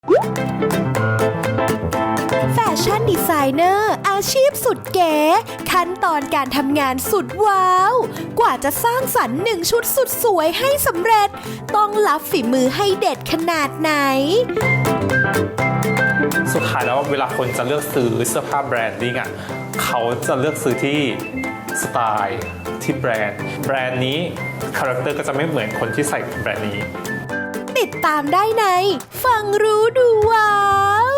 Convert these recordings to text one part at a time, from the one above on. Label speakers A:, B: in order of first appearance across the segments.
A: แฟชั่นดีไซเนอร์อาชีพสุดเก๋ขั้นตอนการทำงานสุดว้าวกว่าจะสร้างสรรค์1 ชุดสุดสวยให้สำเร็จต้องรับฝีมือให้เด็ดขนาดไหน
B: สุดท้ายแล้วเวลาคนจะเลือกซื้อเสื้อผ้าแบรนดิ้งอ่ะเขาจะเลือกซื้อที่สไตล์ที่แบรนด์นี้คาแรคเตอร์ก็จะไม่เหมือนคนที่ใส่แบรนด์นี้
A: ติดตามได้ในฟังรู้ดูว้าว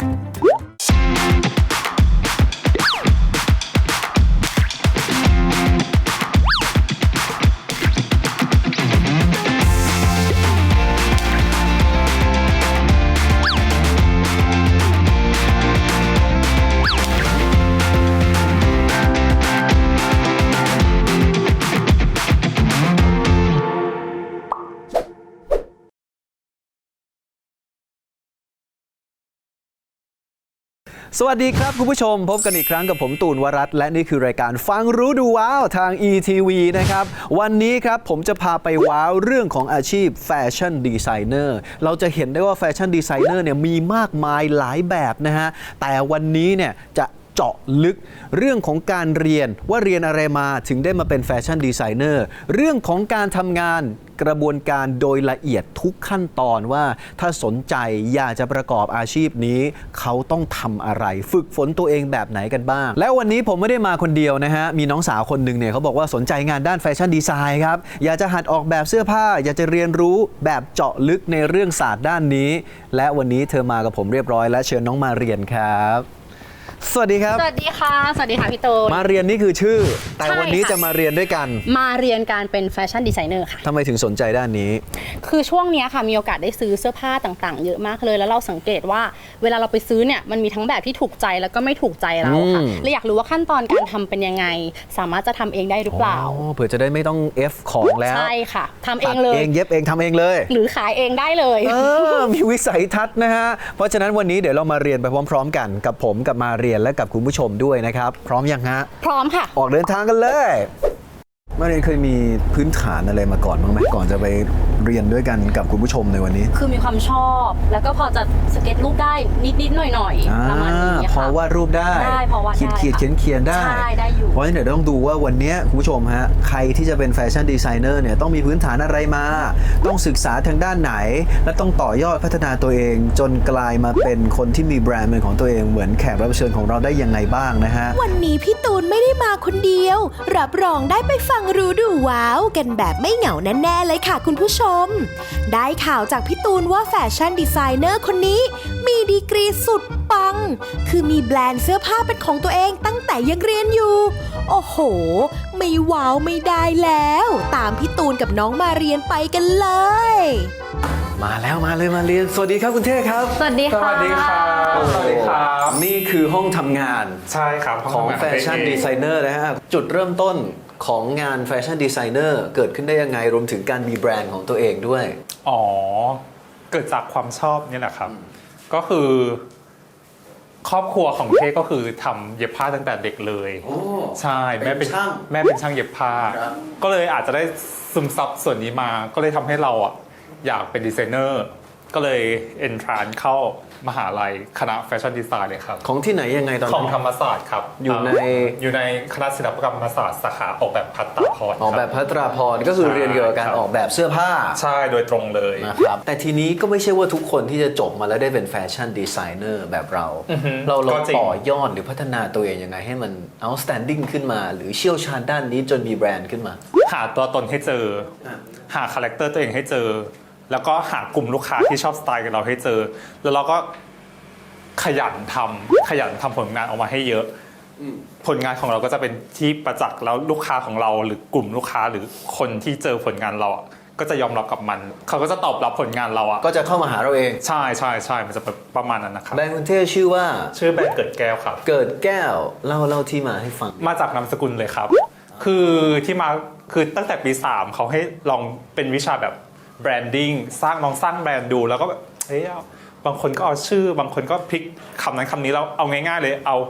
C: สวัสดีครับคุณผู้ชมพบกันอีกครั้งกับผมตูนวรัตน์และนี่คือรายการฟังรู้ดูว้าวทาง ETV นะครับวันนี้ครับผมจะพาไปว้าวเรื่องของอาชีพแฟชั่นดีไซเนอร์เราจะเห็นได้ว่าแฟชั่นดีไซเนอร์เนี่ยมีมากมายหลายแบบนะฮะแต่วันนี้เนี่ยจะเจาะลึกเรื่องของการเรียนว่าเรียนอะไรมาถึงได้มาเป็นแฟชั่นดีไซเนอร์เรื่องของการทำงานกระบวนการโดยละเอียดทุกขั้นตอนว่าถ้าสนใจอยากจะประกอบอาชีพนี้เขาต้องทำอะไรฝึกฝนตัวเองแบบไหนกันบ้างแล้ววันนี้ผมไม่ได้มาคนเดียวนะฮะมีน้องสาวคนหนึ่งเนี่ยเขาบอกว่าสนใจงานด้านแฟชั่นดีไซน์ครับอยากจะหัดออกแบบเสื้อผ้าอยากจะเรียนรู้แบบเจาะลึกในเรื่องศาสตร์ด้านนี้และวันนี้เธอมากับผมเรียบร้อยและเชิญน้องมาเรียนครับสวัสดีครับ
D: สวัสดีค่ะสวัสดีค่ะพี่ตูน
C: มาเรียนนี่คือชื่อแต่วันนี้จะมาเรียนด้วยกัน
D: มาเรียนการเป็นแฟชั่นดีไซเนอร์ค่ะ
C: ทำไมถึงสนใจด้านนี้
D: คือช่วงนี้ค่ะมีโอกาสได้ซื้อเสื้อผ้าต่างๆเยอะมากเลยแล้วเราสังเกตว่าเวลาเราไปซื้อเนี่ยมันมีทั้งแบบที่ถูกใจแล้วก็ไม่ถูกใจเราค่ะและอยากรู้ว่าขั้นตอนการทำเป็นยังไงสามารถจะทำเองได้หรือเปล่า
C: เผื่อจะได้ไม่ต้อง F ของแล้ว
D: ใช่ค่ะทำเองเลย
C: เองเย็บเองทำเองเลย
D: หรือขายเองได้เลย
C: มีวิสัยทัศน์นะฮะเพราะฉะนั้นวันนี้เดี๋ยวเรามาเรียนไปพร้อมๆกันกับผมกับมาเรียนและกับคุณผู้ชมด้วยนะครับพร้อมยังฮะ
D: พร้อมค่ะ
C: ออกเดินทางกันเลยมาเรียนเคยมีพื้นฐานอะไรมาก่อนบ้างไหมก่อนจะไปเรียนด้วยกันกับคุณผู้ชมในวันนี้
D: คือมีความชอบแล้วก็พอจะสเก็ตรูปได้นิดๆหน่อยๆประมาณนี้
C: ค่ะพอวาดรูปได้
D: พอวาดได้
C: เขียนได้
D: ใช่ได้อยู่
C: เพราะฉะนั้นเดี๋ยวต้องดูว่าวันนี้คุณผู้ชมฮะใครที่จะเป็นแฟชั่นดีไซเนอร์เนี่ยต้องมีพื้นฐานอะไรมาต้องศึกษาทางด้านไหนและต้องต่อยอดพัฒนาตัวเองจนกลายมาเป็นคนที่มีแบรนด์เป็นของตัวเองเหมือนแขกรับเชิญของเราได้ยังไงบ้างนะฮะ
A: วันนี้พี่ตูนไม่ได้มาคนเดียวรับรองได้ไปฟังรู้ดูว้าวกันแบบไม่เหงาแน่ๆเลยค่ะคุณผู้ชมได้ข่าวจากพี่ตูนว่าแฟชั่นดีไซเนอร์คนนี้มีดีกรีสุดปังคือมีแบรนด์เสื้อผ้าเป็นของตัวเองตั้งแต่ยังเรียนอยู่โอ้โหไม่ว้าวไม่ได้แล้วตามพี่ตูนกับน้องมาเรียนไปกันเลย
C: มาแล้วมาเลยมาเรียนสวัสดีครับคุณเท่ครับ
D: สวัสดีค่ะ
B: สวัสดีครับสวัสดีครับ
C: นี่คือห้องทำงาน
B: ใช่ครับ
C: ของแฟชั่นดีไซเนอร์นะฮะจุดเริ่มต้นของงานแฟชั่นดีไซเนอร์เกิดขึ้นได้ยังไงรวมถึงการมีแบรนด์ของตัวเองด้วย
B: อ๋อเกิดจากความชอบนี่แหละครับก็คือครอบครัวของเท่ก็คือทำเย็บผ้าตั้งแต่เด็กเลยใช่แม่เป็นช่างเย็บผ้าก็เลยอาจจะได้ซึมซับส่วนนี้มาก็เลยทำให้เราอ่ะอยากเป็นดีไซเนอร์ก็เลยเอนทรานเข้ามหาลัยคณะแฟชั่นดีไซน์เลยครับ
C: ของที่ไหนยังไงตอนนั้น
B: ของธรรมศาสตร์ครับอยู่ในคณะศิลปกรรมศาสตร์สาขาออกแบบภัตตราพร
C: ออกแบบภัตตราพรก็คือเรียนเกี่ยวกับการออกแบบเสื้อผ้า
B: ใช่โดยตรงเลย
C: นะครับแต่ทีนี้ก็ไม่ใช่ว่าทุกคนที่จะจบมาแล้วได้เป็นแฟชั่นดีไซเนอร์แบบเราต่อยอดหรือพัฒนาตัวเองยังไงให้มัน outstanding ขึ้นมาหรือเชี่ยวชาญด้านนี้จนมีแบรนด์ขึ้นมา
B: หาตัวตนให้เจอหาคาแรคเตอร์ตัวเองให้เจอแล้วก็หากลุ่มลูกค้าที่ชอบสไตล์กับเราให้เจอแล้วเราก็ขยันทำผลงานออกมาให้เยอะผลงานของเราก็จะเป็นที่ประจักษ์แล้วลูกค้าของเราหรือกลุ่มลูกค้าหรือคนที่เจอผลงานเราก็จะยอมรับกับมันเขาก็จะตอบรับผลงานเรา
C: ก็จะเข้ามาหาเราเอง
B: ใช่มันจะประมาณนั้นนะครับ
C: แบรนด์คุณเท่ชื่อว่า
B: ชื่อแบรนด์เกิดแก้วครับ
C: เกิดแก้วเล่าที่มาให้ฟัง
B: มาจากนามสกุลเลยครับคือที่มาคือตั้งแต่ปี3เขาให้ลองเป็นวิชาแบบแบรนดิ้งสร้างแบรนด์ดูแล้วก็เฮ้ยบางคนก็เอาชื่อบางคนก็พลิกคำนั้นคำนี้แล้วเอาง่ายๆเลยเอา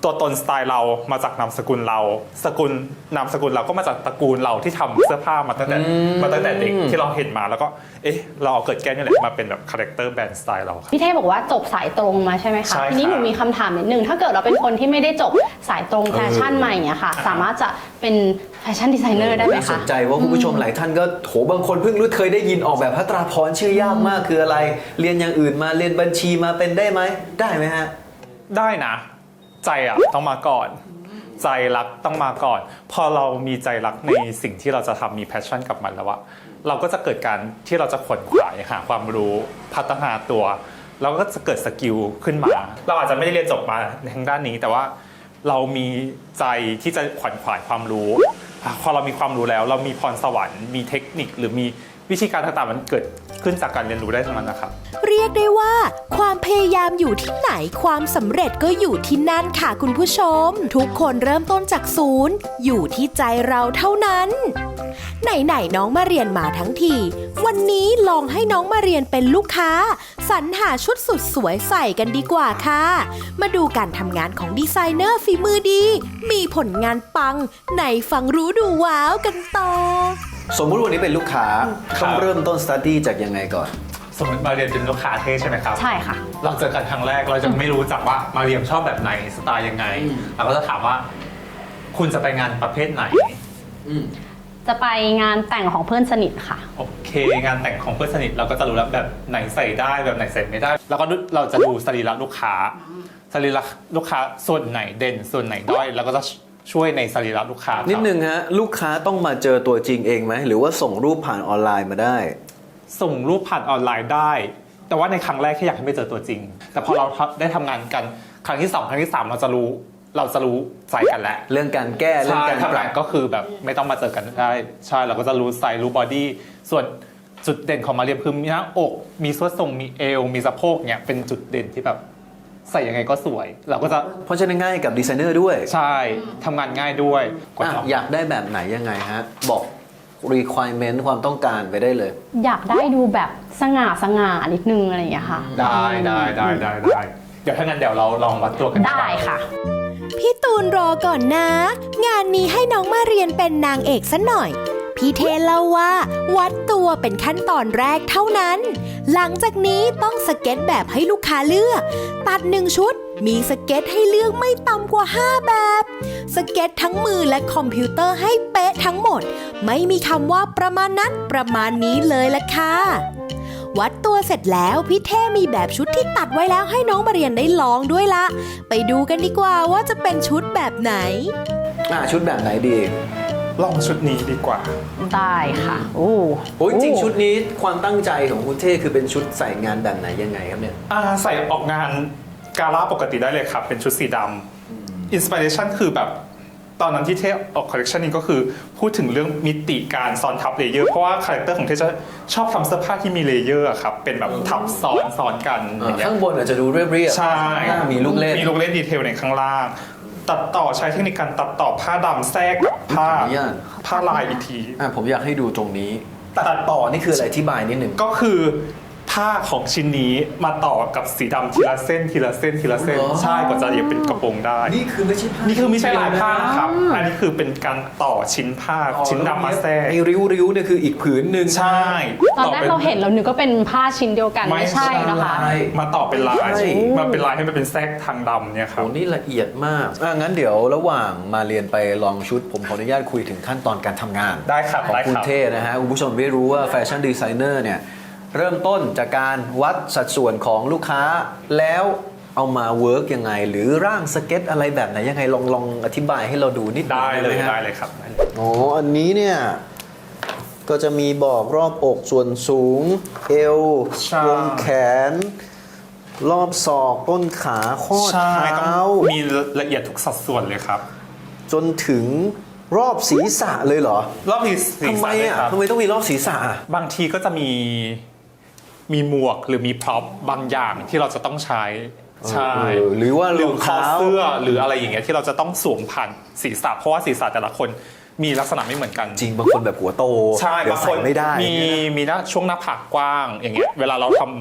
B: ตัวตนสไตล์เรามาจากนามสกุลเรานามสกุลเราก็มาจากตระกูลเราที่ทำเสื้อผ้ามาตั้งแต่เด็กที่เราเห็นมาแล้วก็เราเอาเกิดแก้วนี่แหละมาเป็นแบบคาแรคเตอร์แบรนด์สไตล์เราครับ
D: พี่เท่บอกว่าจบสายตรงมาใช่ไหมคะ
B: ใช่ครับ
D: ทีนี้หนูมีคำถามนิดนึงถ้าเกิดเราเป็นคนที่ไม่ได้จบสายตรงแฟชั่นมาอย่างเงี้ยค่ะสามารถจะเป็นแฟชั่นดีไซเนอร์ได้ไหม
C: น่าส
D: คะ
C: นใจว่าคุณผู้ชมหลายท่านก็โหบางคนเพิ่งรู้เคยได้ยินออกแบบภัตราพรชื่อยากมากคืออะไร เรียนอย่างอื่นมาเรียนบัญชีมาเป็นได้ไหมได้ไหมฮะ
B: ได้นะใจต้องมาก่อนใจรักต้องมาก่อน พอเรามีใจรักในสิ่งที่เราจะทำมีแพชชั่นกับมันแล้วว่าเราก็จะเกิดการที่เราจะขวนขวายหาความรู้พัฒนาตัวเราก็จะเกิดสกิลขึ้นมาเราอาจจะไม่ได้เรียนจบมาทางด้านนี้แต่ว่าเรามีใจที่จะขวนขวายความรู้พอเรามีความรู้แล้วเรามีพรสวรรค์มีเทคนิคหรือมีวิธีการต่างๆมันเกิดขึ้นจากการเรียนรู้ได้ทั้งนั้นนะครับ
A: เรียกได้ว่าความพยายามอยู่ที่ไหนความสำเร็จก็อยู่ที่นั่นค่ะคุณผู้ชม ทุกคนเริ่มต้นจากศูนย์อยู่ที่ใจเราเท่านั้นไหนๆน้องมาเรียนมาทั้งทีวันนี้ลองให้น้องมาเรียนเป็นลูกค้าสรรหาชุดสุดสวยใส่กันดีกว่าค่ะมาดูการทำงานของดีไซเนอร์ฝีมือดีมีผลงานปังไหนฟังรู้ดูว้าวกันต่อ
C: สมมุติวันนี้เป็นลูกค้า
B: ครับ
C: ต้องเริ่มต้นสตัดดี้จากยังไงก่อน
B: สมมติมาเรียนเป็นลูกค้าเท่ใช่ไหมครับ
D: ใช่ค่ะ
B: เราเจอกันครั้งแรกเราจะไม่รู้จักว่ามาเรียมชอบแบบไหนสไตล์ยังไงเราก็จะถามว่าคุณจะไปงานประเภทไหน
D: จะไปงานแต่งของเพื่อนสนิทค่ะ
B: โอเคงานแต่งของเพื่อนสนิทเราก็จะรู้แล้วแบบไหนใส่ได้แบบไหนใส่ไม่ได้ แล้วก็เราจะดูสรีระลูกค้าสรีระลูกค้าส่วนไหนเด่นส่วนไหนด้อยแล้วก็จะช่วยในสรีระลูกค้าครับ
C: นิดนึงฮะลูกค้าต้องมาเจอตัวจริงเองไหมหรือว่าส่งรูปผ่านออนไลน์มาได้
B: ส่งรูปผ่านออนไลน์ได้ แต่ว่าในครั้งแรกแค่อยากให้ไม่เจอตัวจริง แต่พอเราได้ทำงานกันครั้งที่2ครั้งที่3เราจะรู้ใจกันแล้ว
C: เรื่องการแก้เรื่อง
B: ใช่
C: การป
B: ทำ
C: รั
B: งาน
C: บ
B: ก็คือแบบไม่ต้องมาเจอกันได้ใช่เราก็จะรู้ไซส์รู้บอดี้ส่วนจุดเด่นของมาเรียมคือมีหน้าอกมีส่วนทรงมีเอวมีสะโพกเนี่ยเป็นจุดเด่นที่แบบใส่ยังไงก็สวย เราก็จะ
C: เพราะฉะนั้นง่ายกับดีไซเนอร์ด้วย
B: ใช่ทำงานง่ายด้วยกว่า
C: อยากได้แบบไหนยังไงฮะบอก requirement ความต้องการไปได้เลย
D: อยากได้ดูแบบสง่านิดนึงอะไรอย่างเงี้ยค่ะ
B: ได้เดี๋ยวถ้างั้นเดี๋ยวเราลองวัดตัวกัน
D: ได้ค่ะ
A: พี่ตูนรอก่อนนะ งานนี้ให้น้องมาเรียนเป็นนางเอกซะหน่อย พี่เทเล่าว่าวัดตัวเป็นขั้นตอนแรกเท่านั้น หลังจากนี้ต้องสเก็ตแบบให้ลูกค้าเลือก ตัด1ชุดมีสเก็ตให้เลือกไม่ต่ำกว่า5แบบสเก็ตทั้งมือและคอมพิวเตอร์ให้เป๊ะทั้งหมด ไม่มีคำว่าประมาณนั้นประมาณนี้เลยละค่ะ วัดตัวเสร็จแล้วพี่เท่มีแบบชุดที่ตัดไว้แล้วให้น้องมาเรียนได้ลองด้วยละไปดูกันดีกว่าว่าจะเป็นชุดแบบไหน
C: ชุดแบบไหนดี
B: ลองชุดนี้ดีกว่า
D: ได้ค่ะ โอ้
C: โอ้ยจริงชุดนี้ความตั้งใจของคุณเท่คือเป็นชุดใส่งานแบบไหนยังไงครับเนี่ย
B: ใส่ออกงานกาล่าปกติได้เลยครับ เป็นชุดสีดำอินสปิเรชันคือแบบตอนนั้นที่เทออกคอลเลคชันนี้ก็คือพูดถึงเรื่องมิติการซ้อนทับเลเยอร์เพราะว่าคาแรคเตอร์ของเทจะชอบทำเสื้อผ้าที่มีเลเยอร์ครับเป็นแบบทับซ้อนกันอย่างเงี้ย
C: ข้างบนอาจจะดูเรียบๆ
B: ใช่
C: ข้างล่างมีลูกเล่น
B: มีลูกเล่นดีเทลในข้างล่าง ตัดต่อใช้เทคนิคการตัดต่อผ้าดำแทรกกับผ้าลายอีกที
C: ผมอยากให้ดูตรงนี้ ตัดต่อนี่คืออะไรอธิบายนิดหนึ่ง
B: ก็คือผ้าของชิ้นนี้มาต่อกับสีดำทีละเส้นทีละเส้นทีละเส้น
C: อ๋อ
B: ใช่กว่าจะเย็บเป็นกระโปรงได้
C: นี่คือไม่ใช่ผ้า
B: นี่คือไม่ใช่ลายผ้านะครับ อันนี้คือเป็นการต่อชิ้นผ้าชิ้นดำมาแทรก
C: ไอ้ริ้วๆเนี่ยคืออีกผืนหนึ่ง
B: ใช่
D: ตอนแรกเราเห็นเรานึกว่าเป็นผ้าชิ้นเดียวกันไม่ใช่นะคะ
B: มาต่อเป็นลาย
C: ใช่
B: มาเป็นลายให้มันเป็นแทรกทางดำเนี่ยครับ
C: โอ้นี่ละเอียดมากงั้นเดี๋ยวระหว่างมาเรียนไปลองชุดผมขออนุญาตคุยถึงขั้นตอนการทำงาน
B: ได้ครับ
C: ของ
B: ได้
C: คุณ
B: ครับ
C: เท่นะฮะคุณผู้ชมไม่รู้ว่าแฟชั่นดีไซเนอร์เนี่ยเริ่มต้นจากการวัดสัดส่วนของลูกค้าแล้วเอามาเวิร์กยังไง หรือร่างสเก็ตอะไรแบบไหนยังไงลองอธิบายให้เราดูนิดหนึ่ง
B: ได้เลย
C: หมฮะ
B: ได้เลยครับ
C: อ๋ออันนี้เนี่ยก็จะมีบอกรอบอกส่วนสูง เอว
B: ใช่
C: วงแขน รอบศอกต้นขาข้อ
B: ใช่ต้
C: เท้า
B: องมีละเอียดทุกสัดส่วนเลยครับ
C: จนถึงรอบศีรษะเลยเหรอ
B: รอบนี้สี
C: ทำไม
B: สันเลย
C: อ่ะ
B: ครับ
C: ทำไมต้องมีรอบศีรษะอ่ะ
B: บางทีก็จะมีหมวกหรือมีพร็อพบางอย่างที่เราจะต้องใช้ใช่
C: หรือว่า
B: หรือ
C: รอง
B: คอ
C: เท้า
B: เสื้อหรืออะไรอย่างเงี้ยที่เราจะต้องสวมผ่านศีรษะเพราะว่าศีรษะแต่ละคนมีลักษณะไม่เหมือนกัน
C: จริงบางคนแบบหัวโต
B: ใช่
C: เดี๋ยว
B: บางค
C: ใส่
B: น
C: ไม่ได้
B: มีหน้าช่วงหน้าผากกว้างอย่างเงี้ยเวลาเราทำ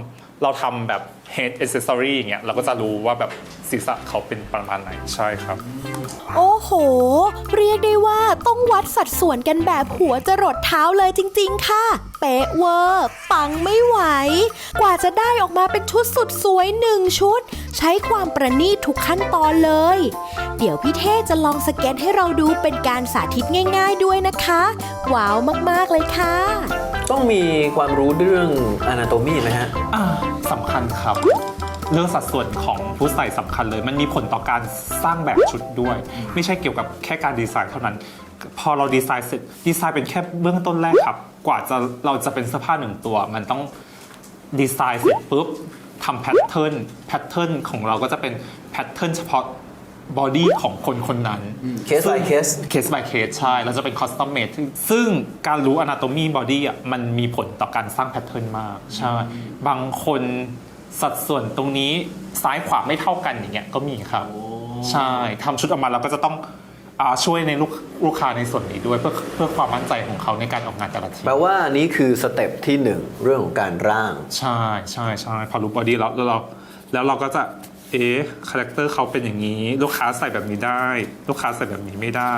B: เราทำแบบ head accessory อย่างเงี้ยเราก็จะรู้ว่าแบบศีรษะเขาเป็นประมาณไหนใช่ครับ
A: โอ้โห เรียกได้ว่าต้องวัดสัดส่วนกันแบบหัวจรดเท้าเลยจริงๆค่ะ เป๊ะเวอร์ ปังไม่ไหว กว่าจะได้ออกมาเป็นชุดสุดสวย1 ชุด ใช้ความประณีตทุกขั้นตอนเลย เดี๋ยวพี่เท่จะลองสเก็ตให้เราดูเป็นการสาธิตง่ายๆด้วยนะคะ ว้าวมากๆเลยค่ะ
C: ต้องมีความรู้เรื่อง anatomy ไหมฮะ
B: สำคัญครับ เรื่องสัดส่วนของผู้ใส่สำคัญเลย มันมีผลต่อการสร้างแบบชุดด้วย ไม่ใช่เกี่ยวกับแค่การดีไซน์เท่านั้น พอเราดีไซน์เสร็จดีไซน์เป็นแค่เบื้องต้นแรกครับ กว่าเราจะเป็นเสื้อผ้า1 ตัว มันต้องดีไซน์เสร็จปุ๊บทำแพทเทิร์นของเราก็จะเป็นแพทเทิร์นเฉพาะบอดี้ของคนคนนั้น
C: case by case
B: case by case ใช่เราจะเป็น custom made ซึ่งการรู้ anatomy body อ่ะมันมีผลต่อการสร้างแพทเทิร์นมากใช่บางคนสัดส่วนตรงนี้ซ้ายขวาไม่เท่ากันอย่างเงี้ยก็มีครับใช่ทำชุดออกมาเราก็จะต้องช่วยในลูกค้าในส่วนนี้ด้วยเพื่อความมั่นใจของเขาในการออกงานแต่ละที
C: แปลว่านี้คือสเต็ปที่ 1 เรื่องของการร่าง
B: ใช่พอรู้ body แล้วเราก็จะคาแรคเตอร์เขาเป็นอย่างนี้ ลูกค้าใส่แบบนี้ได้ ลูกค้าใส่แบบนี้ไม่ได้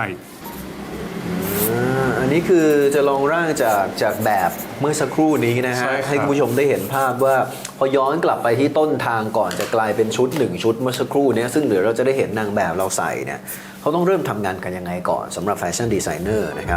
C: อันนี้คือจะลองร่างจากแบบเมื่อสักครู่นี้นะฮะ
B: ใช่ครับ
C: ให้คุณผู้ชมได้เห็นภาพว่าพอย้อนกลับไปที่ต้นทางก่อนจะกลายเป็นชุด1 ชุดเมื่อสักครู่นี้ซึ่งเดี๋ยวเราจะได้เห็นนางแบบเราใส่เนี่ยเขาต้องเริ่มทำงานกันยังไงก่อนสำหรับแฟชั่นดีไซเนอร์นะครับ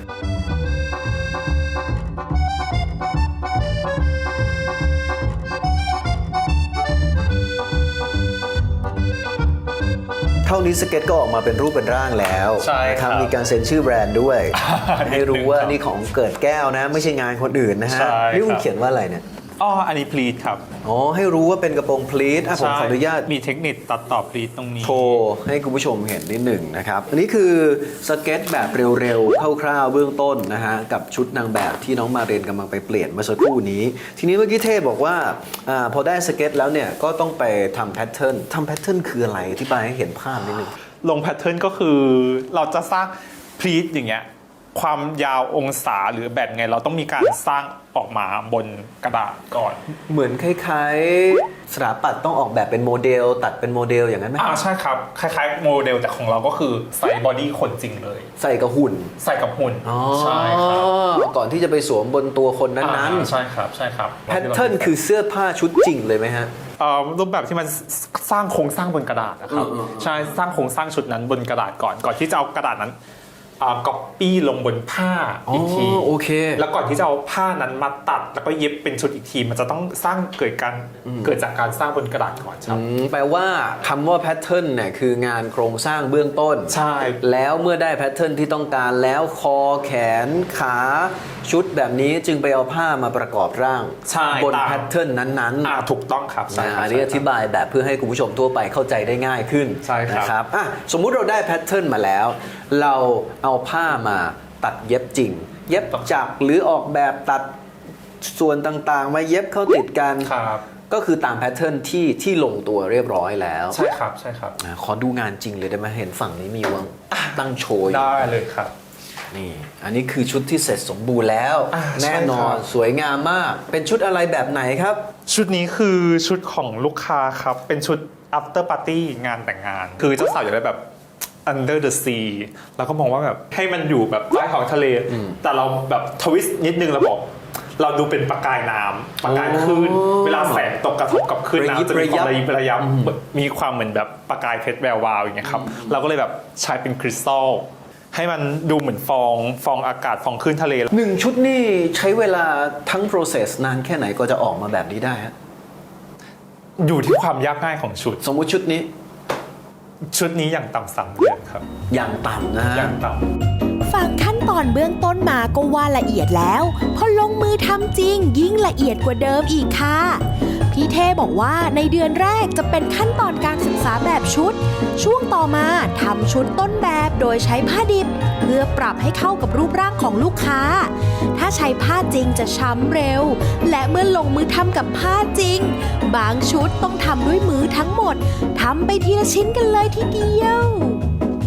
C: เท่านี้สเก็ตก็ออกมาเป็นรูปเป็นร่างแล้ว
B: ใช่ครับ
C: มีการเซ็นชื่อแบรนด์ด้วย ให้รู้ว่า
B: นิดนึงครับ
C: นี่ของเกิดแก้วนะไม่ใช่งานคนอื่นนะฮะ
B: ใช่ครับ
C: นี่คุณเขียนว่าอะไรเนี่ย
B: อันนี้พลีทครับ
C: อ๋อให้รู้ว่าเป็นกระโปรงพลีทผมขออนุญาต
B: มีเทคนิคตัดต่อพลีทตรงนี้
C: โชว์ให้คุณผู้ชมเห็นนิดหนึ่งนะครับอันนี้คือสเก็ตแบบเร็วๆคร่าวๆเบื้องต้นนะฮะกับชุดนางแบบที่น้องมาเรียนกำลังไปเปลี่ยนเมื่อสักครู่นี้ ทีนี้เมื่อกี้เทพบอกว่าพอได้สเก็ตแล้วเนี่ยก็ต้องไปทำแพทเทิร์นคืออะไรอธิบายให้เห็นภาพนิดหนึง
B: ลงแพทเทิร์นก็คือเราจะสร้างพลีทอย่างเงี้ยความยาวองศาหรือแบบไงเราต้องมีการสร้างออกมาบนกระดาษก่อน
C: เหมือนคล้ายๆสถาปัตย์ต้องออกแบบเป็นโมเดลตัดเป็นโมเดลอย่างนั้นไหม
B: ใช่ครับคล้ายๆโมเดลแต่ของเราก็คือใส่บอดี้คนจริงเลย
C: ใส่กับหุ่น
B: ใส่กับหุ่นใช่ครับ
C: ก่อนที่จะไปสวมบนตัวคนนั้น
B: ใช่ครับใช่ครับ
C: ๆแพทเทิร์นคือเสื้อผ้าชุดจริงเลยไหมฮะ
B: รูปแบบที่มันสร้างโครงสร้างบนกระดาษนะครับใช่สร้างโครงสร้างชุดนั้นบนกระดาษก่อนที่จะเอากระดาษนั้นก๊อปปี้ลงบนผ้าอีกที
C: โอเค
B: แล้วก่อนที่จะเอาผ้านั้นมาตัดแล้วก็เย็บเป็นชุดอีกทีมันจะต้องสร้างเกิดจากการสร้างบนกระดาษก่อนครับ
C: แปลว่าคำว่าแพทเทิร์นเนี่ยคืองานโครงสร้างเบื้องต้น
B: ใช่
C: แล้วเมื่อได้แพทเทิร์นที่ต้องการแล้วคอแขนขาชุดแบบนี้จึงไปเอาผ้ามาประกอบร่าง
B: ใช่
C: บน
B: ตาม
C: แพทเทิร์นนั้นๆ
B: ถูกต้องครับใช่ครับ
C: อันนี้อธิบายแบบเพื่อให้คุณผู้ชมทั่วไปเข้าใจได้ง่ายขึ้น
B: ใช่ครับ
C: นะครับสมมุติเราได้แพทเทิร์นมาแล้ว เราเอาผ้ามาตัดเย็บจริง เย็บจักรหรือออกแบบตัดส่วนต่างๆมาเย็บเข้าติดกัน
B: ครับ
C: ก็คือตามแพทเทิร์นที่ลงตัวเรียบร้อยแล้ว
B: ใช่ครับใช่ครับ
C: ขอดูงานจริงเลยได้ไหมเห็นฝั่งนี้มีวางตั้งโชว์อยู่
B: ได้เลยครับ
C: นี่อันนี้คือชุดที่เสร็จสมบูรณ์แล้ว
B: ใช่
C: แน่นอน
B: ครับ
C: สวยงามมากเป็นชุดอะไรแบบไหนครับ
B: ชุดนี้คือชุดของลูกค้าครับเป็นชุด after party งานแต่งงาน คือเจ้าสาวอยากได้แบบ under the sea แล้วก็มองว่าแบบให้มันอยู่แบบใต้ท้องทะเล แต่เราแบบทวิสต์นิดนึงเราบอก เราดูเป็นประกายน้ำประกายคลื่นเวลาแสงตกกระทบกับคลื่นน้ำจะมีความระยิบระยับมีความเหมือนแบบประกายเพชรแวววาวอย่างเงี้ยครับเราก็เลยแบบใช้เป็นคริสตัลให้มันดูเหมือนฟองอากาศฟองคลื่นทะเล
C: 1 ชุดนี่ใช้เวลาทั้ง process นานแค่ไหนก็จะออกมาแบบนี้ได้ฮะ
B: อยู่ที่ความยากง่ายของชุด
C: สมมุติชุดนี้
B: อย่างต่ำ3 เดือนครับ
C: อย่างต่ำนะฮะ
B: อย่างต่ำ
A: ฟังขั้นตอนเบื้องต้นมาก็ว่าละเอียดแล้ว พอลงมือทำจริงยิ่งละเอียดกว่าเดิมอีกค่ะ พี่เท่บอกว่าในเดือนแรกจะเป็นขั้นตอนการศึกษาแบบชุด ช่วงต่อมาทำชุดต้นแบบโดยใช้ผ้าดิบ เพื่อปรับให้เข้ากับรูปร่างของลูกค้า ถ้าใช้ผ้าจริงจะช้ำเร็ว และเมื่อลงมือทำกับผ้าจริง บางชุดต้องทำด้วยมือทั้งหมดทำไปทีละชิ้นกันเลยทีเดียว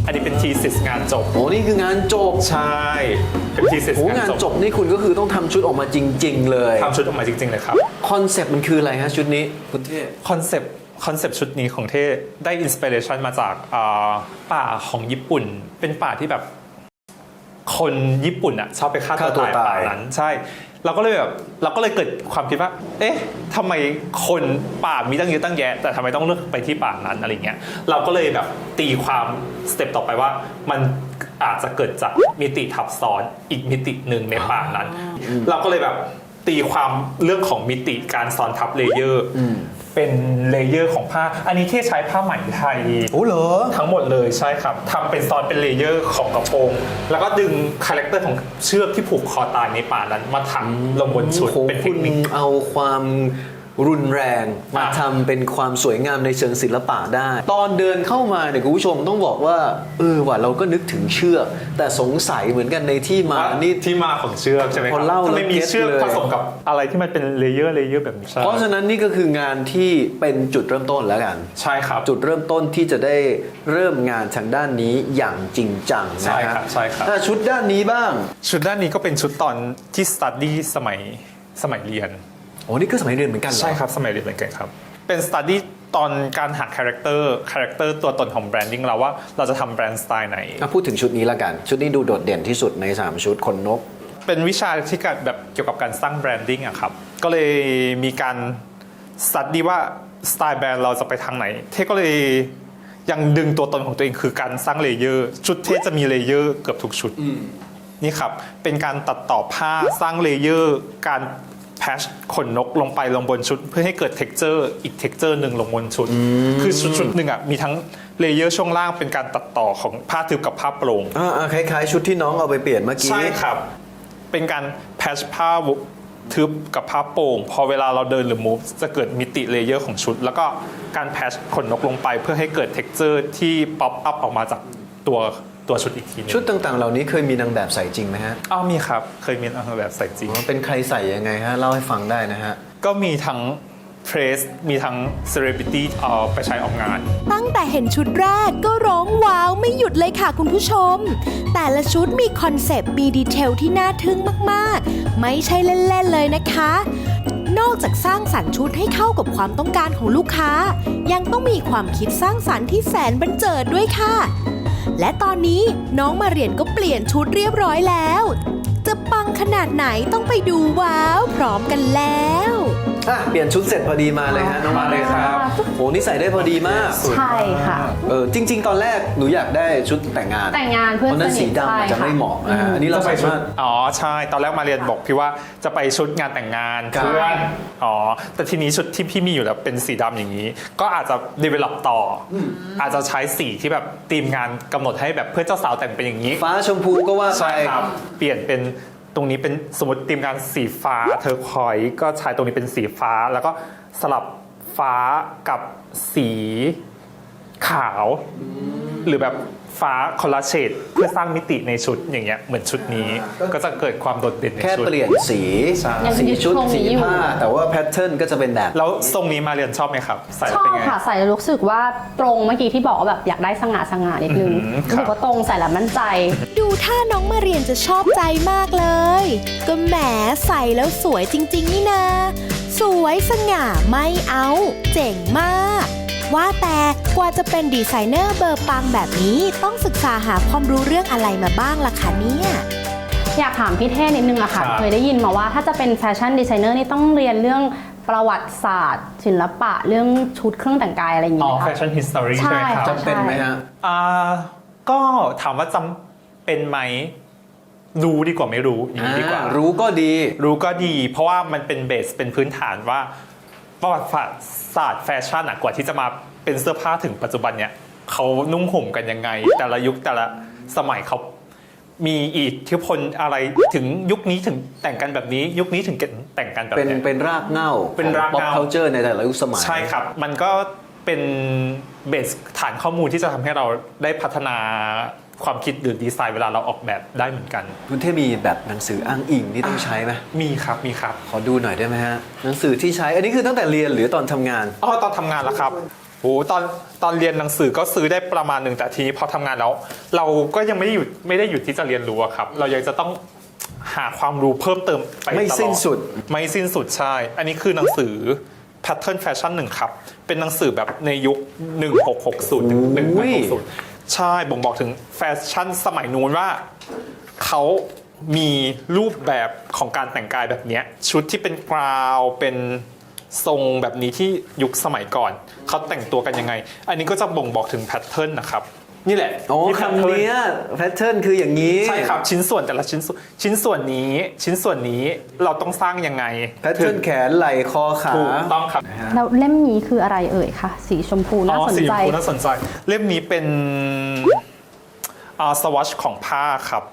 B: อันนี้เป็น thesis งานจบ
C: โอ้นี่คืองานจบ
B: ใช่เป็น thesis
C: โอ้งานจบนี่คุณก็คือต้องทำชุดออกมาจริง ๆ เลย
B: ทำชุดออกมาจริงๆเลยครับ
C: คอนเซปต์มันคืออะไรฮะชุดนี้คุณเทพ
B: คอนเซปต์ชุดนี้ของเท่ได้อินสปิเรชันมาจากป่าของญี่ปุ่น เป็นป่าที่แบบคนญี่ปุ่นอ่ะชอบไปฆ่าตัวตายป่านั้นใช่เราก็เลยเกิดความคิดว่าเอ๊ะทำไมคนป่ามีตั้งเยอะตั้งแยะแต่ทำไมต้องเลือกไปที่ป่านั้นอะไรเงี้ยเราก็เลยแบบตีความสเต็ปต่อไปว่ามันอาจจะเกิดจากมิติทับซ้อนอีกมิติหนึ่งในป่านั้น เราก็เลยแบบตีความเรื่องของมิติการซ้อนทับเลเยอร์เป็นเลเยอร์ของผ้าอันนี้ที่ใช้ผ้าไหมไทย
C: โอ้เหรอ
B: ทั้งหมดเลยใช่ครับทำเป็นซ้อนเป็นเลเยอร์ของกระโปรงแล้วก็ดึงคาแรคเตอร์ของเชือกที่ผูกคอตายในป่านั้นมาถักลงบนชุดเป็นเทคนิค
C: คุณเอาความรุนแรงมาทำเป็นความสวยงามในเชิงศิลปะได้ ตอนเดินเข้ามาเนี่ยคุณผู้ชมต้องบอกว่าว่ะเราก็นึกถึงเชือกแต่สงสัยเหมือนกันในที่มานี่
B: ที่มาของเชือกใช่ไหมค
C: พ
B: รั
C: อเล่า
B: ทำไมมี
C: แล้ว
B: เชือก
C: เก็ตเลย
B: ผสมกับอะไรที่มันเป็นเลเยอร์แบบนี้ใช่
C: เพราะฉะนั้นนี่ก็คืองานที่เป็นจุดเริ่มต้นแล้วกัน
B: ใช่ครับ
C: จุดเริ่มต้นที่จะได้เริ่มงานทางด้านนี้อย่างจริงจังนะ
B: ใช่ครับใช่ครับ
C: ถ้าชุดด้านนี้บ้าง
B: ชุดด้านนี้ก็เป็นชุดตอนที่สตัดดี้สมัยเรียน
C: โอ้นี่ก็สมัยเรียนเหมือนกันเหรอ
B: ใช่ครับสมัยเรียนเหมือนกันครับเป็นสตัดดี้ตอนการหาคาแรคเตอร์ตัวตนของแบรนดิ้งเราว่าเราจะทำแบรนด์สไตล์ไหน
C: พูดถึงชุดนี้ละกัน ชุดนี้ดูโดดเด่นที่สุดใน3ชุดขนนก
B: เป็นวิชาที่แบบเกี่ยวกับการสร้างแบรนดิ้งอะครับก็เลยมีการสตัดดี้ว่าสไตล์แบรนด์เราจะไปทางไหนเท่ก็เลยยังดึงตัวตนของตัวเองคือการสร้างเลเยอร์ชุดเท่จะมีเลเยอร์เกือบทุกชุดนี่ครับเป็นการตัดต่อผ้าสร้างเลเยอร์การแพชขนนกลงบนชุดเพื่อให้เกิด texture อีก texture หนึ่งลงบนชุดคือชุดหนึ่งอ่ะมีทั้งเลเยอร์ช่วงล่างเป็นการตัดต่อของผ้าทึบกับผ้าโปร่ง
C: คล้ายๆ ชุดที่น้องเอาไปเปลี่ยนเมื่อกี้
B: ใช่ครับเป็นการแพชผ้าทึบกับผ้าโปร่งพอเวลาเราเดินหรือ move จะเกิดมิติเลเยอร์ของชุดแล้วก็การแพชขนนกลงไปเพื่อให้เกิด texture ที่ pop up ออกมาจากตัวชุดอีกทีนึง
C: ชุดต่างๆ เหล่านี้เคยมีนางแบบใส่จริงไหมฮะ
B: มีครับเคยมีนางแบบใส่จริง
C: เป็นใครใส่ยังไงฮะเล่าให้ฟังได้นะฮะ
B: ก็มีทั้งเพรสมีทั้งเซเลบริตี้เอาไปใช้ออกงาน
A: ตั้งแต่เห็นชุดแรกก็ร้องว้าวไม่หยุดเลยค่ะคุณผู้ชม แต่ละชุดมีคอนเซปต์มีดีเทลที่น่าทึ่งมากๆ ไม่ใช่เล่นๆเลยนะคะ นอกจากสร้างสรรค์ชุดให้เข้ากับความต้องการของลูกค้า ยังต้องมีความคิดสร้างสรรค์ที่แสนบันเจิดด้วยค่ะ และตอนนี้น้องมาเรียนก็เปลี่ยนชุดเรียบร้อยแล้ว จะปังขนาดไหนต้องไปดูว้าวพร้อมกันแล้ว
C: เปลี่ยนชุดเสร็จพอดีมาเลยฮะน้อง
B: มาเลยครับ
C: โอ้นี่ใส่ได้พอดีมาก
D: ใช่ค่ะ
C: จริง ๆ ตอนแรกหนูอยากได้ชุดแต่งงาน
D: แต่งงานเพื่อน
C: เพราะนั้น
D: สนิท
C: สีดำอาจจะ
D: ใช่ค่ะ
C: ไม่เหมาะนะฮะอันนี้เรา
B: จะไป
C: สา
B: ชุด
C: มารถ
B: ใช่ตอนแรกมาเรียนบอกพี่ว่าจะไปชุดงานแต่งงาน
C: ครับ
B: เพื่อนแต่ทีนี้ชุดที่พี่มีอยู่แล้วเป็นสีดำอย่างนี้ ก็อาจจะ develop ต่ออาจจะใช้สีที่แบบทีมงานกำหนดให้แบบเพื่อนเจ้าสาวแต่งเป็นอย่างนี้
C: ฟ้าชมพูก็ว่า
B: ใช่
C: ไป
B: ครับเปลี่ยนเป็นตรงนี้เป็นสมมติทีมงานสีฟ้าเทอร์ควอยซ์ก็ใช้ตรงนี้เป็นสีฟ้าแล้วก็สลับฟ้ากับสีขาว หรือแบบฟ้าคอลลาเชดเพื่อสร้างมิติในชุดอย่างเงี้ยเหมือนชุดนี้ก็จะเกิดความโดดเด่นใน
C: แค่
B: ชุด
C: เปลี่ยนสี
B: ใช่
C: สีชุด
D: ยังยึดโครงนี้
C: สี
D: อยู่
C: ผ้าแต่ว่าแพทเทิร์นก็จะเป็นแบบ
B: แล้วทรงนี้มาเรียนชอบไหมครับใส่
D: ช
B: แล้ว
D: อ
B: เป็น
D: บ
B: ไง
D: ค่ะใส่แล้วรู้สึกว่าตรงเมื่อกี้ที่บอกว่าแบบอยากได้สง่านิดนึง
B: ครับ
D: รู้สึกว่าตรงใส่แล้วมั่นใจ
A: ดูท่าน้องมาเรียนจะชอบใจมากเลย ก็แหมใส่แล้วสวยจริงๆนี่นา สวยสง่าไม่เอาเจ๋งมาก ว่าแต่กว่าจะเป็นดีไซเนอร์เบอร์ปังแบบนี้ต้องศึกษาหาความรู้เรื่องอะไรมาบ้างล่ะคะเนี่ย
D: อยากถามพี่เท่นิดนึงอะค่ะ
B: ครับ
D: เคยได้ยินมาว่าถ้าจะเป็นแฟชั่นดีไซเนอร์นี่ต้องเรียนเรื่องประวัติศาสตร์ ศิลปะเรื่องชุดเครื่องแต่งกายอะไรอย่าง
B: อ๋
D: เงี้
B: อย แฟ
D: ค่ะ
B: ชั่นฮิสตอรีใช่ไหมครับ
D: ใช่
C: จำเป็นไหมฮะ
B: ก็ถามว่าจำเป็นไหมรู้ดีกว่าไม่รู้อย่างนี้ดีกว่า
C: รู้ก็ดี
B: รู้ก็ดี เพราะว่ามันเป็นเบสเป็นพื้นฐานว่าประวัติศาสตร์แฟชั่นกว่าที่จะมาเป็นเสื้อผ้าถึงปัจจุบันเนี่ยเขานุ่งห่มกันยังไง แต่ละยุคแต่ละสมัยเขามีอิทธิพลอะไรถึงยุคนี้ถึงแต่งกันแบบนี้ ยุคนี้ถึงแต่งกันแบบ
C: เป็น
B: นี้
C: เป็นรากเหง้า
B: เป็นรากเหง้า
C: ป๊อปคัลเจอร์ในแต่ละยุคสมัย
B: ใช่ครับ มันก็เป็นเบสฐานข้อมูลที่จะทำให้เราได้พัฒนาความคิดหรือดีไซน์เวลาเราออกแบบได้เหมือนกัน
C: คุณเทพมีแบบหนังสืออ้างอิงที่ต้องใช้ไหม
B: มีครับมีครับ
C: ขอดูหน่อยได้ไหมฮะหนังสือที่ใช้อันนี้คือตั้งแต่เรียนหรือตอนทำงาน
B: ตอนทำงานแล้วครับโอ้ตอนเรียนหนังสือก็ซื้อได้ประมาณหนึ่งแต่ทีนี้พอทำงานแล้วเราก็ยังไม่ได้หยุดที่จะเรียนรู้อะครับเรายังจะต้องหาความรู้เพิ่มเติมไปตลอด
C: ไม่สิ้นสุด
B: ไม่สิ้นสุดใช่อันนี้คือหนังสือ Pattern Fashion 1ครับเป็นหนังสือแบบในยุค 1660 ถึง 1860 ใช่บ่งบอกถึงแฟชั่นสมัยนู้นว่าเขามีรูปแบบของการแต่งกายแบบเนี้ยชุดที่เป็นกราวเป็นทรงแบบนี้ที่ยุคสมัยก่อนเขาแต่งตัวกันยังไง อันนี้ก็จะบ่งบอกถึงแพทเทิร์นนะครับนี่แหละ
C: โอ้
B: นี่
C: คำเนี้ยแพทเทิร์นคืออย่างนี้
B: ใช่ครับชิ้นส่วนแต่ละชิ้นส่วนนี้เราต้องสร้างยังไง
C: แพทเทิร์นแขนไหล่คอขา
B: ถูกต้องครับ
D: แล้วเล่มนี้คืออะไรเอ่ยคะสีชมพูน่าสน
B: สีช
D: ใจ
B: มพูน่าสนใจเล่มนี้เป็นสวอชของผ้าครับ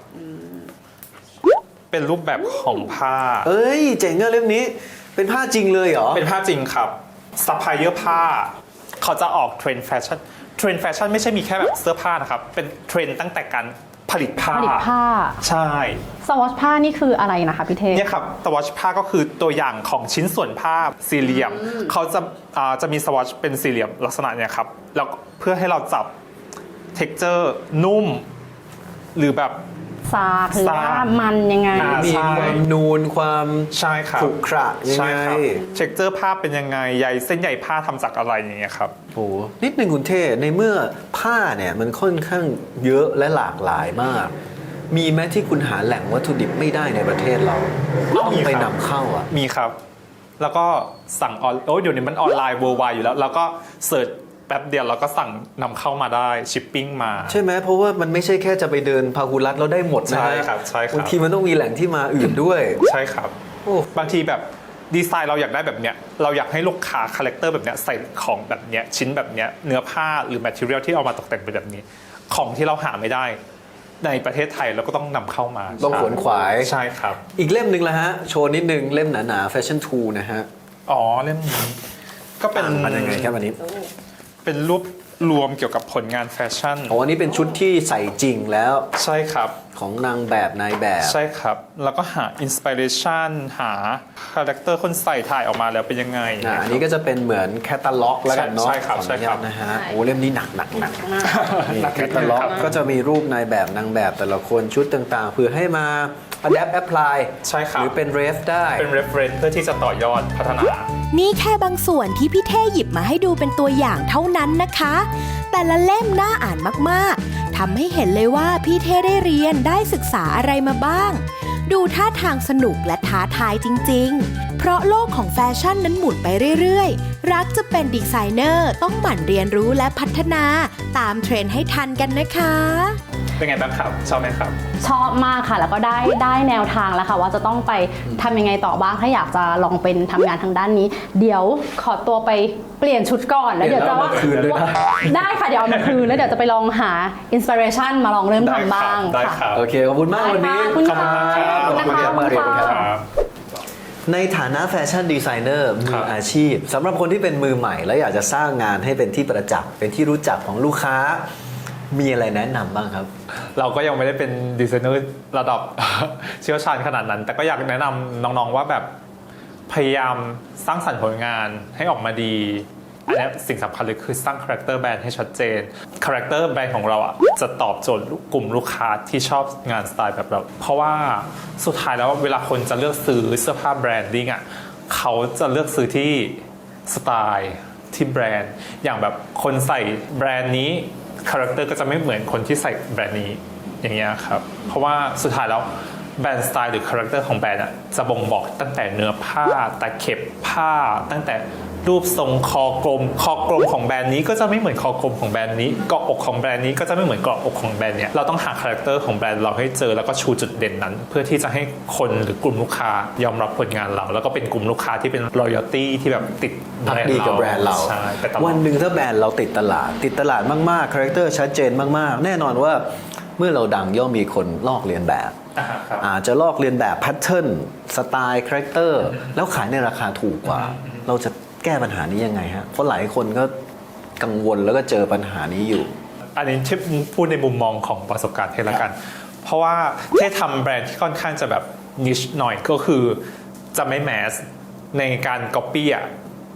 B: เป็นรูปแบบของผ้า
C: เอ้ยเจ๋งอะเล่มนี้เป็นผ้าจริงเลยเหรอ
B: เป็นผ้าจริงครับซัพพลายเออร์ผ้าเขาจะออกเทรนด์แฟชั่นไม่ใช่มีแค่แบบเสื้อผ้านะครับเป็นเทรนด์ตั้งแต่การผลิตผ้า
D: ผลิตผ้า
B: ใช่
D: สวอชผ้านี่คืออะไรนะคะพี่เทพ
B: เนี่ยครับสวอชผ้าก็คือตัวอย่างของชิ้นส่วนผ้าสี่เหลี่ยมเขาจะมีสวอชเป็นสี่เหลี่ยมลักษณะเนี่ยครับแล้วเพื่อให้เราจับเท็กเจอร์นุ่มหรือแบบ
D: ซากหรือว่ามันยังไง
C: มีความนูนความ
B: ใช่ครับ
C: ขรุขระยัง
B: ใช่
C: ไง
B: ครับเท็กเจอร์ผ้าเป็นยังไงใยเส้นใยผ้าทำจากอะไรอย่างเงี้ยครับ
C: โอ้นิดนึงคุณเท่ในเมื่อผ้าเนี่ยมันค่อนข้างเยอะและหลากหลายมาก มีไหมที่คุณหาแหล่งวัตถุดิบไม่ได้ในประเทศเราต้องไปนำเข้าอ่ะ
B: มีครับ แล้วก็สั่งเดี๋ยวนี้มันออนไลน์ worldwide อยู่แล้ว แล้วก็เสิร์ชแป๊บเดียวเราก็สั่งนำเข้ามาได้ชิปปิ้งมา
C: ใช่ไหมเพราะว่ามันไม่ใช่แค่จะไปเดินพาหุรัตแล้วได้หมดนะ
B: ใช่ครับใช่ครับ
C: บางทีมันต้องมีแหล่งที่มาอื่นด้วย
B: ใช่ครับ
C: โอ้
B: บางทีแบบดีไซน์เราอยากได้แบบเนี้ยเราอยากให้ลูกค้าคาแรคเตอร์แบบเนี้ยใส่ของแบบเนี้ยชิ้นแบบเนี้ยเนื้อผ้าหรือแมทเทียลที่เอามาตกแต่งเป็นแบบนี้ ของที่เราหาไม่ได้ในประเทศไทยเราก็ต้องนำเข้ามา
C: ต้องขวนขวาย
B: ใช่ครับ
C: อีกเล่มหนึ่งละฮะ โชว์นิดนึงเล่มหนาๆ Fashion 2 นะฮะ
B: อ๋อเล่มนี้ก็เป็น
C: มันยังไงครับอันนี้
B: เป็นรูปรวมเกี่ยวกับผลงานแฟชั่น
C: โอ้อันนี้เป็นชุดที่ใส่จริงแล้ว
B: ใช่ครับ
C: ของนางแบบนายแบบ
B: ใช่ครับ แล้วก็หาอินสปิเรชันหาคาแรคเตอร์คนใส่ถ่ายออกมาแล้วเป็นยังไง
C: อันนี้ก็จะเป็นเหมือนแคตตาล็อกแล้วกันเนาะ
B: ใช่ครับ
C: ขออนุญาต
B: ใช่ครับ
C: นะฮะโอ้เล่มนี้หนักนี่แคตตาล็อก
B: ครับ
C: ก็จะมีรูปนายแบบนางแบบแต่ละคนชุดต่างๆเพื่อให้มา adapt apply
B: ใช่ครับ
C: หรือเป็น ref ได้
B: เป็น reference เพื่อที่จะต่อยอดพัฒนา
A: นี่แค่บางส่วนที่พี่เท่หยิบมาให้ดูเป็นตัวอย่างเท่านั้นนะคะ แต่ละเล่มน่าอ่านมากๆทำให้เห็นเลยว่าพี่เท่ได้เรียนได้ศึกษาอะไรมาบ้าง ดูท่าทางสนุกและท้าทายจริงๆ เพราะโลกของแฟชั่นนั้นหมุนไปเรื่อยๆ รักจะเป็นดีไซเนอร์ต้องหมั่นเรียนรู้และพัฒนาตามเทรนด์ให้ทันกันนะคะ
B: เป็นไงบ้างครับชอบไหมครับ
D: ชอบมากค่ะ แล้วก็ได้แนวทางแล้วค่ะว่าจะต้องไปทำยังไงต่อบ้างถ้าอยากจะลองเป็นทำงานทางด้านนี้ เดี๋ยวขอตัวไปเปลี่ยนชุดก่อนแล้วเดี๋ยวจะ
C: เดี๋ยวเรามาคืนด้วยนะ
D: ได้ค่ะเดี๋ยวเอามาคืนแล้วเดี๋ยวจะไปลองหาอินสปิเรชันมาลองเริ่มทำบ้าง
B: ได้
D: ค่ะ
B: ครับ
C: โอเค ขอบคุณมากวันนี้
D: ขอบคุณค่ะ
B: ขอบคุณครับ
C: ขอบคุณครับมาเรียนครับ
B: ครับ
C: ในฐานะแฟชั่นดีไซเนอร์มื
B: ครั
C: อบ อาชีพสำหรับคนที่เป็นมือใหม่ และอยากจะสร้างงานให้เป็นที่ประจักษ์เป็นที่รู้จักของลูกค้า มีอะไรแนะนำบ้างครับ
B: เราก็ยังไม่ได้เป็นดีไซเนอร์ระดับ เชี่ยวชาญขนาดนั้น แต่ก็อยากแนะนำน้องๆว่าแบบพยายามสร้างสรรค์ผลงานให้ออกมาดี อันนี้สิ่งสำคัญเลยคือสร้างคาแรคเตอร์แบรนด์ให้ชัดเจนคาแรคเตอร์แบรนด์ของเราอ่ะจะตอบโจทย์กลุ่มลูกค้าที่ชอบงานสไตล์แบบเรา เพราะว่าสุดท้ายแล้วเวลาคนจะเลือกซื้อเสื้อผ้าแบรนดิ้งอ่ะเขาจะเลือกซื้อที่สไตล์ที่แบรนด์อย่างแบบคนใส่แบรนด์นี้คาแรคเตอร์ก็จะไม่เหมือนคนที่ใส่แบรนด์นี้อย่างเงี้ยครับเพราะว่าสุดท้ายแล้วแบรนด์สไตล์หรือคาแรคเตอร์ของแบรนด์อ่ะจะบ่งบอกตั้งแต่เนื้อผ้าตะเข็บผ้าตั้งแต่รูปทรงคอกลมของแบรนด์นี้ก็จะไม่เหมือนคอกลมของแบรนด์นี้เกาะอกของแบรนด์นี้ก็จะไม่เหมือนเกาะอกของแบรนด์เนี้ยเราต้องหาคาแรคเตอร์ของแบรนด์เราให้เจอแล้วก็ชูจุดเด่นนั้น เพื่อที่จะให้คนหรือกลุ่มลูกค้ายอมรับผลงานเราแล้วก็เป็นกลุ่มลูกค้าที่เป็น loyalty ที่แบบติดแบ
C: พัก
B: รนด์
C: ดีกับแบรนด์เรา
B: ใช่ไปตลอด
C: วันหนึ่งถ้าแบรนด์เราติดตลาดมากๆคาแรคเตอร์ชัดเจนมากๆ แน่นอนว่าเมื่อเราดังย่อมมีคนลอกเลียนแบบ
B: ครับ
C: อาจจะลอกเลียนแบบแพทเทิร์นสไตล์คาแรคเตอร์แล้วขายในราคาถูกกว่า เราจะแก้ปัญหานี้ยังไงฮะเพราะหลายคนก็กังวลแล้วก็เจอปัญหานี้อยู่
B: อันนี้ที่พูดในมุมมองของประสบการณ์เทละกัน เพราะว่าเททำแบรนด์ที่ค่อนข้างจะแบบนิชหน่อยก็คือจะไม่แมสในการก๊อปปี้อ่ะ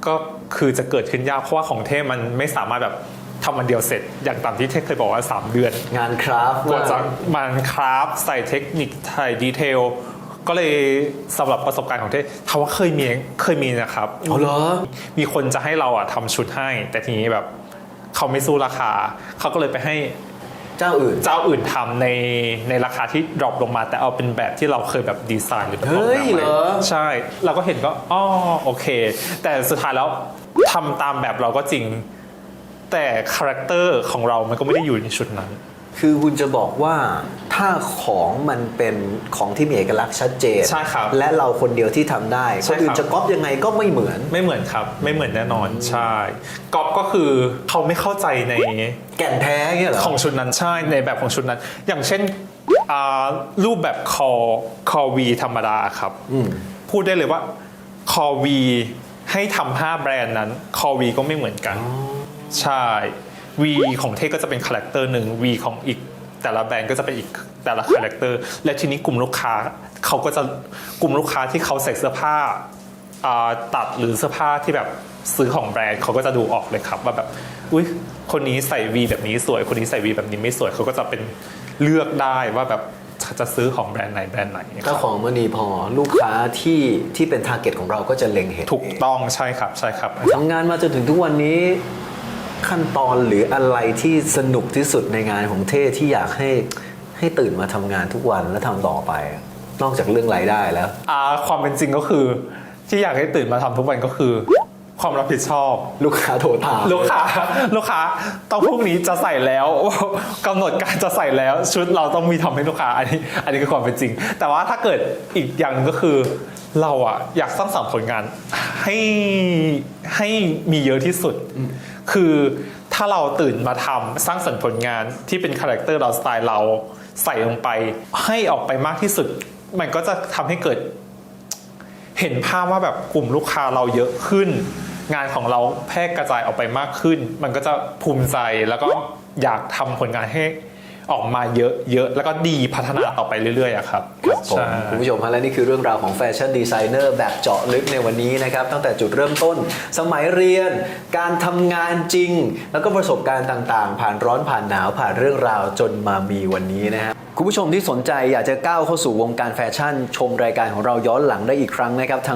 B: ก็คือจะเกิดขึ้นยากเพราะว่าของเท่มันไม่สามารถแบบทำวันเดียวเสร็จอย่างตามที่เท่เคยบอกว่า 3 เดือน
C: งานคราฟต์
B: กว่าจะมันคราฟใส่เทคนิคใส่ดีเทลก็เลยสำหรับประสบการณ์ของเท่ถามว่าเคยมีนะครับ
C: อ๋อเหรอ
B: มีคนจะให้เราอะทำชุดให้ แต่ทีนี้แบบเขาไม่สู้ราคาเขาก็เลยไปให้
C: เจ้าอื่น
B: ทำในราคาที่ดรอปลงมาแต่เอาเป็นแบบที่เราเคยแบบดีไซน์หรือแบบ
C: เฮ้ยเหรอ
B: ใช่เราก็เห็นก็อ๋อโอเค แต่สุดท้ายแล้วทำตามแบบเราก็จริงแต่คาแรคเตอร์ของเรามันก็ไม่ได้อยู่ในชุดนั้น
C: คือคุณจะบอกว่าถ้าของมันเป็นของที่มีเอกลักษณ์ชัดเจน
B: ใช่ครับ
C: และเราคนเดียวที่ทำได้
B: ใช่
C: คนอื่
B: ครั
C: น
B: บ
C: จะก๊อปยังไงก็ไม่เหมือน
B: ไม่เหมือนครับไม่เหมือนแน่นอนใช่ก๊อปก็คือเขาไม่เข้าใจใน
C: แก่นแท้เงี้ยเหรอ
B: ของชุดนั้นใช่ในแบบของชุดนั้น อย่างเช่นรูปแบบคอวีธรรมดาครับพูดได้เลยว่าคอวีให้ทำ5แบรนด์นั้นคอวีก็ไม่เหมือนกันใช่วีของเทก็จะเป็นคาแรคเตอร์หนึ่งวีของอีกแต่ละแบรนด์ก็จะเป็นอีกแต่ละคาแรคเตอร์และทีนี้กลุ่มลูกค้าเขาก็จะกลุ่มลูกค้าที่เขาใส่เสื้อผ้าตัดหรือเสื้อผ้าที่แบบซื้อของแบรนด์เขาก็จะดูออกเลยครับว่าแบบอุ๊ยคนนี้ใส่วีแบบนี้สวยคนนี้ใส่วีแบบนี้ไม่สวยเขาก็จะเป็นเลือกได้ว่าแบบจะซื้อของแบรนด์ไหนแบรนด์ไหน
C: ถ้าของมณีพอลูกค้าที่เป็นทาร์เก็ตของเราก็จะเล็งเห็น
B: ถูกต้องใช่ครับใช่ครับ
C: ทำงานมาจนถึงทุกวันนี้ขั้นตอนหรืออะไรที่สนุกที่สุดในงานของเท่ที่อยากให้ตื่นมาทำงานทุกวันและทำต่อไป นอกจากเรื่องรายได้แล้ว
B: ความเป็นจริงก็คือที่อยากให้ตื่นมาทำทุกวันก็คือความรับผิดชอบ
C: ลูกค้าโทรถาม
B: ลูกค้าต้องพรุ่งนี้จะใส่แล้ว กำหนดการจะใส่แล้วชุดเราต้องมีทำให้ลูกค้าอันนี้คือความเป็นจริง แต่ว่าถ้าเกิดอีกอย่างหนึงก็คือเราอะอยากสร้างสรรค์ผลงานให้มีเยอะที่สุด คือถ้าเราตื่นมาทำสร้างสรรค์ผลงานที่เป็นคาแรคเตอร์เราสไตล์เราใส่ลงไปให้ออกไปมากที่สุด มันก็จะทำให้เกิดเห็นภาพว่าแบบกลุ่มลูกค้าเราเยอะขึ้น งานของเราแพร่กระจายออกไปมากขึ้น มันก็จะภูมิใจแล้วก็อยากทำผลงานให้ออกมาเยอะๆแล้วก็ดีพัฒนาต่อไปเรื่อยๆอะครับ
C: ครับผม
B: ใช่
C: คุณผู้ชมฮะและนี่คือเรื่องราวของแฟชั่นดีไซเนอร์แบบเจาะลึกในวันนี้นะครับตั้งแต่จุดเริ่มต้น สมัยเรียน การทำงานจริง แล้วก็ประสบการณ์ต่างๆ ผ่านร้อนผ่านหนาวผ่านเรื่องราวจนมามีวันนี้นะฮะคุณผู้ชมที่สนใจอยากจะก้าวเข้าสู่วงการแฟชั่น ชมรายการของเราย้อนหลังได้อีกครั้งนะครับทาง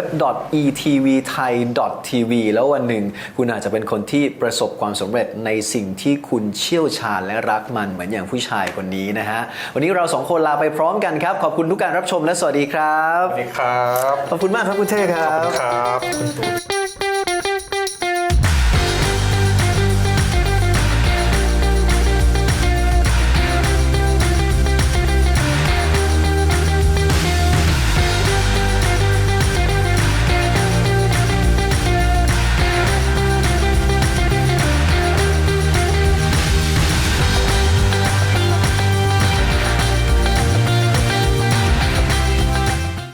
C: www.etvthai.tv แล้ววันหนึ่งคุณอาจจะเป็นคนที่ประสบความสำเร็จในสิ่งที่คุณเชี่ยวชาญและรักมันเหมือนอย่างผู้ชายคนนี้นะฮะวันนี้เราสองคนลาไปพร้อมกันครับขอบคุณทุกการรับชมและสวัสดีครับ
B: สวัสดีครับ
C: ขอบคุณมากครับคุณเท่ครั
B: ขอบ บคุณครับ